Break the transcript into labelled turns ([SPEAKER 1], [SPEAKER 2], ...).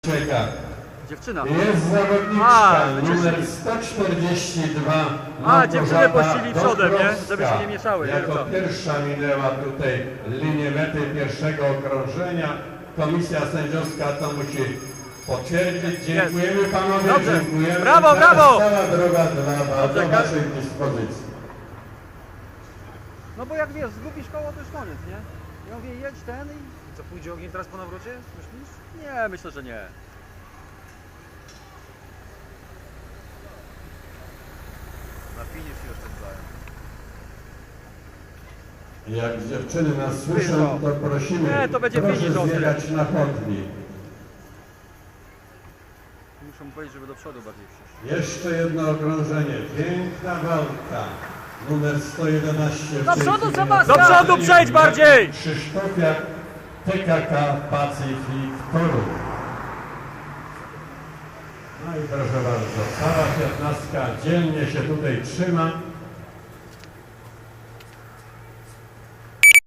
[SPEAKER 1] Czeka.
[SPEAKER 2] Dziewczyna.
[SPEAKER 1] Jest zawodniczka numer 142.
[SPEAKER 2] Dziewczyny pościli przodem, nie? Żeby się nie mieszały.
[SPEAKER 1] Jako pierwsza minęła tutaj linię mety pierwszego okrążenia. Komisja sędziowska to musi potwierdzić. Dziękujemy panowie,
[SPEAKER 2] dobrze.
[SPEAKER 1] dziękujemy.
[SPEAKER 2] Brawo, brawo!
[SPEAKER 1] Cała droga do waszej dyspozycji.
[SPEAKER 2] No bo jak wiesz, zgubisz koło, to już koniec, nie? Ja mówię, jedź ten i... Co, pójdzie ogień teraz po nawrocie? Myślisz? Nie, myślę, że nie. Na finish jeszcze dają.
[SPEAKER 1] Jak dziewczyny nas słyszą, to prosimy,
[SPEAKER 2] Nie, to będzie
[SPEAKER 1] proszę
[SPEAKER 2] finish ostry.
[SPEAKER 1] zjechać na chodnik.
[SPEAKER 2] Muszę mu powiedzieć, żeby do przodu bardziej przyszło.
[SPEAKER 1] Jeszcze jedno okrążenie. Piękna walka. Numer 111.
[SPEAKER 2] Do przodu, Sebastian!
[SPEAKER 1] Do
[SPEAKER 2] przodu przejdź bardziej!
[SPEAKER 1] Krzysztofia TKK Pacyfik Toruń. No i proszę bardzo, cała 15 dzielnie się tutaj trzyma.